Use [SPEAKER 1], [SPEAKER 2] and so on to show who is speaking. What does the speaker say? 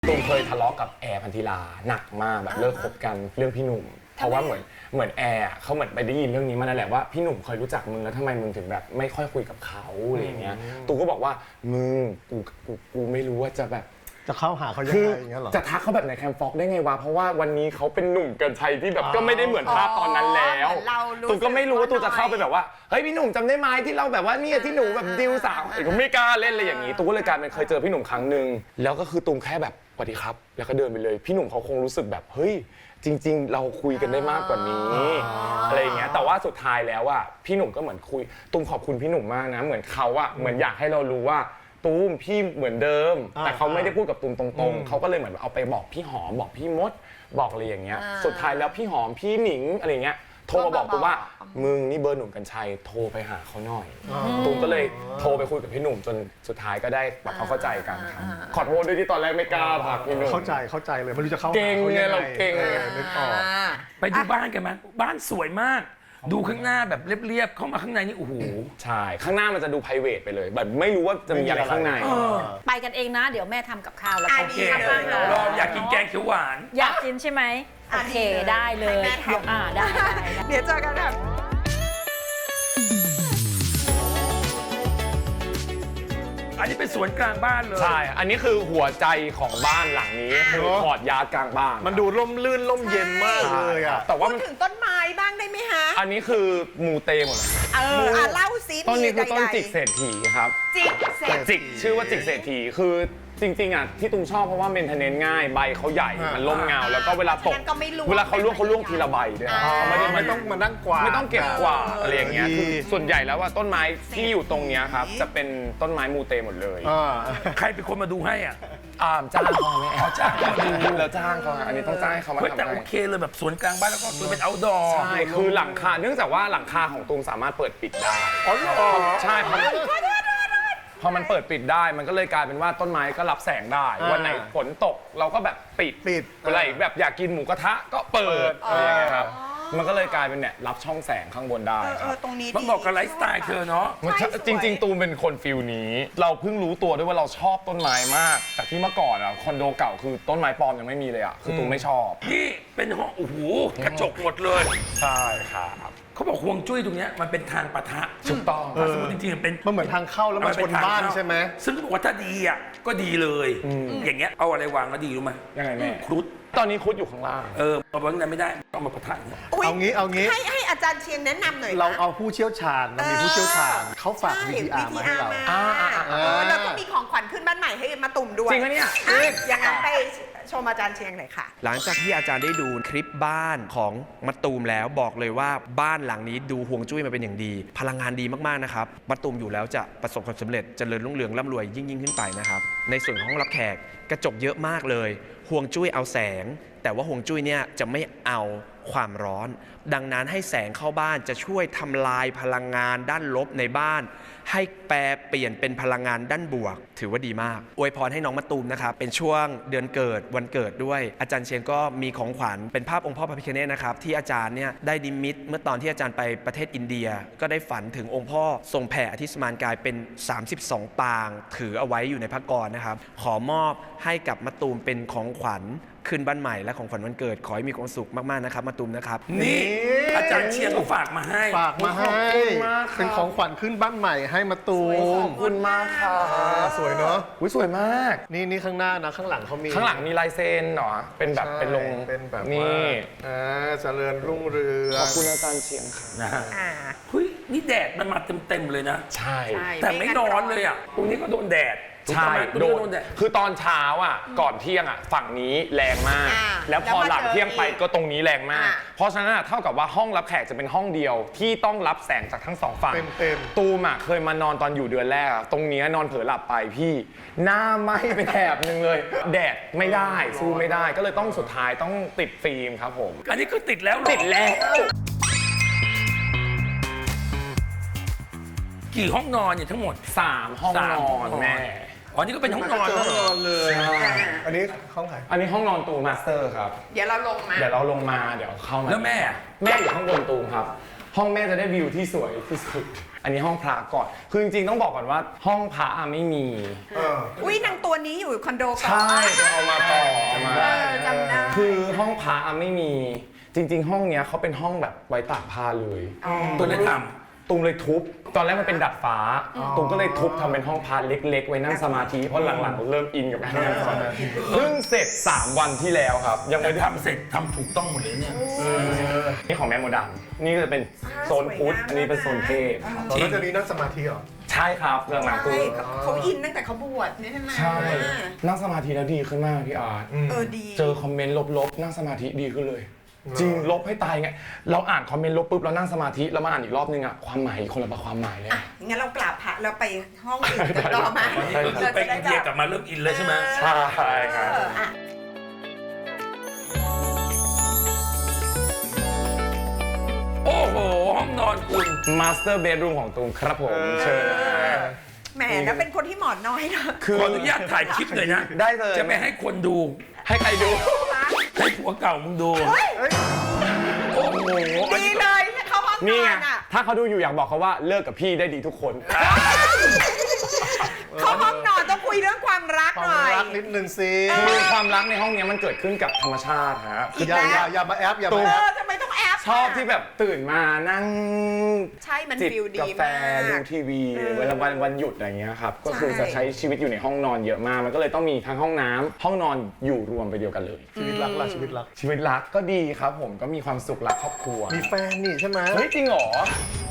[SPEAKER 1] ตูมเคยทะเลาะกับแอร์พันธิลาหนักมากแบบเลิกคบกันเรื่องพี่หนุ่มเพราะว่าเหมือนแอร์เขาเหมือนไปได้ยินเรื่องนี้มานั่นแหละว่าพี่หนุ่มเคยรู้จักมึงแล้วทำไมมึงถึงแบบไม่ค่อยคุยกับเขาอะไรอย่างเงี้ยตูมก็บอกว่ามึงกูไม่รู้ว่าจะแบบ
[SPEAKER 2] จะเข้าหาเขายัง
[SPEAKER 1] คือ
[SPEAKER 2] ไงอย่างเงี้ยหรอ
[SPEAKER 1] จะทักเขาแบบในแคมฟ็อกได้ไงวะเพราะว่าวันนี้เขาเป็นหนุ่มเกินชัยที่แบบก็ไม่ได้เหมือนภาพตอนนั้นแล้วตูก็ไม่รู้ว่าตูจะเข้าไปแบบว่าเฮ้ยพี่หนุ่มจำได้ไหมที่เราแบบว่าเนี่ยที่หนูแบบดิวสาวก็ไม่กล้าเล่นเลยอย่างนี้ตูก็เลยกลายเป็นเคยเจอพี่หนุ่มครั้งนึงแล้วก็คือตูแค่แบบสวัสดีครับแล้วก็เดินไปเลยพี่หนุ่มเขาคงรู้สึกแบบเฮ้ยจริงๆเราคุยกันได้มากกว่านี้อะไรอย่างเงี้ยแต่ว่าสุดท้ายแล้วอ่ะพี่หนุ่มก็เหมือนคุยตูมขอบคุณพี่หนุ่มมากนะเหมือนเขาอ่ะเหมือนอยากให้เรารู้ว่าตูมพี่เหมือนเดิมแต่เขาไม่ได้พูดกับตูมตรงๆเขาก็เลยเหมือนเอาไปบอกพี่หอมบอกพี่มดบอกอะไรอย่างเงี้ยสุดท้ายแล้วพี่หอมพี่หนิงอะไรเงี้ยโทรมาบอกตูมว่ามึงนี่เบอร์หนุ่มกัญชัยโทรไปหาเขาหน่อยตูมก็เลยโทรไปคุยกับพี่หนุ่มจนสุดท้ายก็ได้แบบเขาเข้าใจกันครับขอโทษด้วยที่ตอนแรกไม่กล้าทักพี่หนุ่ม
[SPEAKER 2] เข้าใจเลยไม่รู้จะเข้าหา
[SPEAKER 1] เก่ง
[SPEAKER 2] เขา
[SPEAKER 1] ไง
[SPEAKER 2] ยังไง
[SPEAKER 1] เราเก่ง
[SPEAKER 2] นึกออก
[SPEAKER 3] ไปดูบ้านกันไหมบ้านสวยมาก ดูข้างหน้าแบบเรียบๆเข้ามาข้างในนี่โอ้โห
[SPEAKER 1] ใช่ข้างหน้ามันจะดู private ไปเลยแบบไม่รู้ว่าจะมีอะไรข้างใน
[SPEAKER 4] ไปกันเองนะเดี๋ยวแม่ทำกับข้าวแล้ว
[SPEAKER 3] โอเค
[SPEAKER 4] ทำอาหาร
[SPEAKER 3] รออยากกินแกงเขียวหวาน
[SPEAKER 4] อยากกินใช่ไหมโอเคได้เลยได้
[SPEAKER 5] เดี๋ยวเจอกันค่ะ
[SPEAKER 3] อันนี้เป็นสวนกลางบ้านเลย
[SPEAKER 1] ใช่ อันนี้คือหัวใจของบ้านหลังนี้คือคอร์ดยาร์ดกลางบ้าน
[SPEAKER 2] มันดูร่มรื่นร่มเย็นมากเลยอ่ะ
[SPEAKER 1] แต่ว่า
[SPEAKER 5] พูดถึงต้นไม้บ้างได้ไหมฮะ
[SPEAKER 1] อันนี้คือมูเตหมดเลย
[SPEAKER 5] เล่าซิ
[SPEAKER 1] ต้นนี้คือต้น
[SPEAKER 5] ใดๆ
[SPEAKER 1] จิกเศรษฐีครับ
[SPEAKER 5] จิกเสร็จ
[SPEAKER 1] จิกชื่อว่าจิกเศรษฐีคือจริงๆอ่ะที่ตุ้มชอบเพราะว่าเมนเทนเนนง่ายใบเขาใหญ่มันร่มเงาแล้วก็เวลาตก
[SPEAKER 5] ฉะนั้นก็ไม่ร่วง
[SPEAKER 1] เวลาเขาล่วงทีละใบด้วยไม่ได้
[SPEAKER 2] ไม่ต้องมานั่งกวาด
[SPEAKER 1] ไม่ต้องเก็บกวาดอะไรอย่างเงี้ย
[SPEAKER 2] ดี
[SPEAKER 1] คือส่วนใหญ่แล้วว่าต้นไม้ที่อยู่ตรงเนี้ยครับจะเป็นต้นไม้มูเตหมดเลย
[SPEAKER 3] ใครเป็นคนมาดูให้อ่ะ
[SPEAKER 1] จ้างเขาไหม
[SPEAKER 3] อ๋อจ้างเขามาดู
[SPEAKER 1] แล้วจ้างเขาอันนี้ต้องจ้างเขามา
[SPEAKER 3] เฮ้ย
[SPEAKER 1] ทำ
[SPEAKER 3] แต่โอ
[SPEAKER 1] ให้
[SPEAKER 3] เคเลยแบบสวนกลางบ้านแล้วก็คือเป็น outdoor
[SPEAKER 1] ใช่คือหลังคาเนื่องจากว่าหลังคาของตูมสามารถเปิดปิดได้
[SPEAKER 2] อ๋อเหรอ
[SPEAKER 1] ใช่พอมันเปิดปิดได้มันก็เลยกลายเป็นว่าต้นไม้ก็รับแสงได้วันไหนฝนตกเราก็แบบปิดเวลาอีกแบบอยากกินหมูกระทะก็เปิดอะไรอย่างเงี้ยครับมันก็เลยกลายเป็นเนี่ยรับช่องแสงข้างบนได้ครับ
[SPEAKER 5] ตรงนี้
[SPEAKER 3] มันบอกกับไลฟ์สไตล์เธอเนาะ
[SPEAKER 1] จริงๆตูมเป็นคนฟิลนี้ เราเพิ่งรู้ตัวด้วยว่าเราชอบต้นไม้มากจากที่เมื่อก่อนอะคอนโดเก่าคือต้นไม้ปลอมยังไม่มีเลยอะคือตูมไม่ชอบ
[SPEAKER 3] นี่เป็นห้องโอ้โหกระจกหมดเลย
[SPEAKER 1] ใช่ครับ
[SPEAKER 3] เขาบอกห่วงจุ้ยตรงเนี้ยมันเป็นทางปะทะ
[SPEAKER 1] ถูกต้อง
[SPEAKER 3] ถ้าสมมติจริงๆมันเป็น
[SPEAKER 2] มันเหมือนทางเข้าแล้วมาชนบ้านใช่ไหม
[SPEAKER 3] ซึ่งเขาบอกว่าถ้าดีอ่ะก็ดีเลย อย่างเงี้ยเอาอะไรวางก็ดีรู้ไหม
[SPEAKER 1] ยังไงแม่
[SPEAKER 3] ครุฑ
[SPEAKER 1] ตอนนี้คุดอยู่ข้างล่าง
[SPEAKER 3] เอาไว้ข้างในไม่ได้ต้องมาปะทะเนี่ย
[SPEAKER 2] เอางี้
[SPEAKER 5] ให้อาจารย์เชียงแนะนำหน่อย
[SPEAKER 2] เราเอาผู้เชี่ยวชาญเรามีผู้เชี่ยวชาญเขาฝาก VTR มาให้เรา
[SPEAKER 5] แล้วก็มีของขวัญขึ้นบ้านใหม่ให้มาตุ่มด้วย
[SPEAKER 1] จริงปะเนี่ย
[SPEAKER 5] อย่างนั้นไปชมอาจารย์เชียงหน่อยค่ะ
[SPEAKER 6] หลังจากที่อาจารย์ได้ดูคลิปบ้านของมะตูมแล้วบอกเลยว่าบ้านหลังนี้ดูห่วงจุ้ยมาเป็นอย่างดี พลังงานดีมากๆนะครับมะตูมอยู่แล้วจะประสบความสำเร็จเจริญรุ่งเรืองร่ำรวยยิ่งขึ้นไปนะครับในส่วนของห้องรับแขกกระจกเยอะมากเลยห่วงจุ้ยเอาแสง แต่ว่าห่วงจุ้ยเนี่ยจะไม่เอาความร้อน ดังนั้นให้แสงเข้าบ้านจะช่วยทำลายพลังงานด้านลบในบ้าน ให้แปลเปลี่ยนเป็นพลังงานด้านบวก ถือว่าดีมากอวยพรให้น้องมะตูมนะครับเป็นช่วงเดือนเกิดวันเกิดด้วยอาจารย์เชียงก็มีของขวัญเป็นภาพองค์พ่อพระพิฆเนศนะครับที่อาจารย์เนี่ยได้นิมิตเมื่อตอนที่อาจารย์ไปประเทศอินเดีย ก็ได้ฝันถึงองค์พ่อทรงแผ่อธิสมานกายเป็น32ปางถือเอาไว้อยู่ในพระกรนะครับขอมอบให้กับมะตูมเป็นของขวัญขึ้นบ้านใหม่และของขวัญวันเกิดขอให้มีความสุขมากๆนะครับมะตูมนะครับ
[SPEAKER 3] นี่อาจารย์เชียงเขาฝากมาให้
[SPEAKER 2] ฝากมาให้
[SPEAKER 1] ขอบคุณมากค่ะ
[SPEAKER 2] เป็นของขวัญขึ้นบ้านใหม่ให้มาตู
[SPEAKER 1] ข
[SPEAKER 2] ม
[SPEAKER 1] อบคุณมากค่ะ
[SPEAKER 2] สวยเนอะ
[SPEAKER 1] อุ๊ยสวยมาก
[SPEAKER 2] นี่ข้างหน้านะข้างหลังเขามี
[SPEAKER 1] ข้างหลังมีลายเซ็นเหรอเป็นแบบ
[SPEAKER 2] ใช่
[SPEAKER 1] เป็นลง
[SPEAKER 2] เป็นแบบ
[SPEAKER 1] นี่
[SPEAKER 2] ว่าเจริญรุ่งเรือง
[SPEAKER 1] ขอบคุณอาจารย์เชียงค่ะ
[SPEAKER 3] นะฮะเฮ้ยนี่แดดมันมาเต็มๆเลยนะ
[SPEAKER 1] ใช่
[SPEAKER 3] แต่ไม่ร้อนเลยอ่ะตรงนี้ก็โดนแดด
[SPEAKER 1] ใช่
[SPEAKER 3] ตรง
[SPEAKER 1] โด
[SPEAKER 3] นี้
[SPEAKER 1] น
[SPEAKER 3] ก็โดนแดด
[SPEAKER 1] คือตอนเช้าอ่ะก่อนเที่ยงอ่ะฝั่งนี้แรงมาก แล้วพอหลังเที่ยงไปก็ตรงนี้แรงมาก เพราะฉะนั้นอะเท่ากับว่าห้องรับแขกจะเป็นห้องเดียวที่ต้องรับแสงจากทั้งสองฝั่ง
[SPEAKER 2] เต็ม
[SPEAKER 1] ตูมอ่ะเคยมานอนตอนอยู่เดือนแรกอะตรงเนี้ยนอนเผลอหลับไปพี่หน้าไหม้ไปแถบนึงเลย แดดไม่ได้สู้ไม่ได้ก็เลยต้องสุดท้ายต้องติดฟิล์มครับผม
[SPEAKER 3] อันนี้คือติดแล้วเหรอ
[SPEAKER 1] ติดแล้ว
[SPEAKER 3] กี่ห้องนอนเนี่ยทั้งหมด
[SPEAKER 1] 3 ห้องนอนแม่
[SPEAKER 3] อ๋อนี่ก็เป็นห้องนอน
[SPEAKER 2] ห้
[SPEAKER 3] แล้ว
[SPEAKER 2] อง
[SPEAKER 3] เหร
[SPEAKER 2] น
[SPEAKER 3] อ
[SPEAKER 2] อนเลย อันนี้ห้องไหน
[SPEAKER 1] อันนี้ห้องนอนตูมมาสเตอร์ครับ
[SPEAKER 5] เดี๋ยวเราลงมา
[SPEAKER 1] เดี๋ยวเราลงมาเดี๋ยวเข้ามา
[SPEAKER 3] แล้วแม่อะ
[SPEAKER 1] แม่อยู่ข้างบนตูมครับ ห้องแม่จะได้วิวที่สวยที่สุดอันนี้ห้องพระก่อนคือจริงๆต้องบอกก่อนว่าห้องพระอะไม่มี
[SPEAKER 5] อุ้ยนางตัวนี้อยู่คอนโดก่อน
[SPEAKER 1] ใช่เอามาต่อเอามา
[SPEAKER 5] จำได้
[SPEAKER 1] คือห้องพระอะไม่มีจริง ๆ ห้องเนี้ยเขาเป็นห้องแบบไว้ตากผ้าเลย
[SPEAKER 3] ตัวเลยท
[SPEAKER 1] ตุมเลยทุบตอนแรกมันเป็นดัดฟ้าตุมก็เลยทุบทำเป็นห้องพระเล็กๆ ไว้นั่งสมาธิเพราะหลังๆเริ่มอินกับการนั่งสมาธิเพิ่งเสร็จ3 วันที่แล้วครับยัง
[SPEAKER 3] ำ
[SPEAKER 1] ไม่
[SPEAKER 3] แต่
[SPEAKER 1] ได้
[SPEAKER 3] ทำเสร็จทำถูกต้องหมดเลยเนี่ย
[SPEAKER 1] นี่ของแม่โมดัมนี่ก็จะเป็นโซนพุทธอันนี้เป็นโซนเทพ
[SPEAKER 2] ตอนนั้นจะมีนั่งสมาธิเหรอ
[SPEAKER 1] ใช่ครับหลังๆตัว
[SPEAKER 5] ใช่เขาอินตั้งแต่เขาบวชนี่ใช่ไหม
[SPEAKER 1] ใช่นั่งสมาธิแล้วดีขึ้นมากพี่อาร์ต
[SPEAKER 5] ดี
[SPEAKER 1] เจอคอมเมนต์ลบๆนั่งสมาธิดีขึ้นเลย จริงลบให้ตายไงเราอ่านคอมเมนต์ลบปุ๊บเรานั่งสมาธิแล้วมาอ่านอีกรอบนึงอะความหมายคนละความหมายเลย
[SPEAKER 5] อ่ะงั้นเรากราบพระแล้วไปห้องอื่นกันต่อไหม
[SPEAKER 3] ไปอินเดียกลับมาเริ่มอินเลยใช่ไหม
[SPEAKER 1] ใช่ครับ
[SPEAKER 5] อ่ะ
[SPEAKER 3] โอ้โห ห้องนอนคุณ
[SPEAKER 1] มาสเตอร์เบดรูมของตูมครับผมเชิญ
[SPEAKER 5] แหมแล้วเป็นคนที่หมอนน้อยนะ
[SPEAKER 1] คือ
[SPEAKER 3] ขออนุญาตถ่ายคลิปหน่อยนะ
[SPEAKER 1] ได้เลย
[SPEAKER 3] จะไม่ให้คนดู
[SPEAKER 1] ให้ใครดู
[SPEAKER 3] ให้ผัวเก่ามึงดู
[SPEAKER 1] โอ้โห
[SPEAKER 5] ดีเลยเขาห้องน
[SPEAKER 1] นี่
[SPEAKER 5] อ
[SPEAKER 1] ไง
[SPEAKER 5] นอ่ะ
[SPEAKER 1] ถ้าเขาดูอยู่อยากบอกเขาว่าเลิกกับพี่ได้ดีทุกคน
[SPEAKER 5] เขาห้องนอนต้องคุยเรื่องความรัก
[SPEAKER 2] ควา
[SPEAKER 5] ห
[SPEAKER 2] ม
[SPEAKER 5] น่อย
[SPEAKER 2] รักนิดนึงสิ
[SPEAKER 1] คือความรักในห้องเนี้ยมันเกิดขึ้นกับธรรมชาติฮะ
[SPEAKER 5] อีก
[SPEAKER 2] อย่า
[SPEAKER 5] แล้ว
[SPEAKER 2] อย่ามาแอปอย่ามา
[SPEAKER 5] เอ
[SPEAKER 2] แอป
[SPEAKER 5] อทำไมต้องแอป
[SPEAKER 1] ชอบที่แบบตื่นมานั่ง
[SPEAKER 5] ใช่มัน
[SPEAKER 1] จิบ
[SPEAKER 5] ฟิลดี
[SPEAKER 1] กาแฟ
[SPEAKER 5] มาก
[SPEAKER 1] ดูทีวี
[SPEAKER 5] เออ
[SPEAKER 1] เวลาวันหยุดอะไรเงี้ยครับก็คือ
[SPEAKER 5] ใช่
[SPEAKER 1] จะใช้ชีวิตอยู่ในห้องนอนเยอะมากมันก็เลยต้องมีทั้งห้องน้ำห้องนอนอยู่รวมไปเดียวกันเลย
[SPEAKER 2] ชีวิตรักล่ะชีวิตรัก
[SPEAKER 1] ชีวิตรักก็ดีครับผมก็มีความสุขรักครอบครัว
[SPEAKER 2] มีแฟนนี่ใช่ไหม
[SPEAKER 1] เฮ้ยจริงเหรอ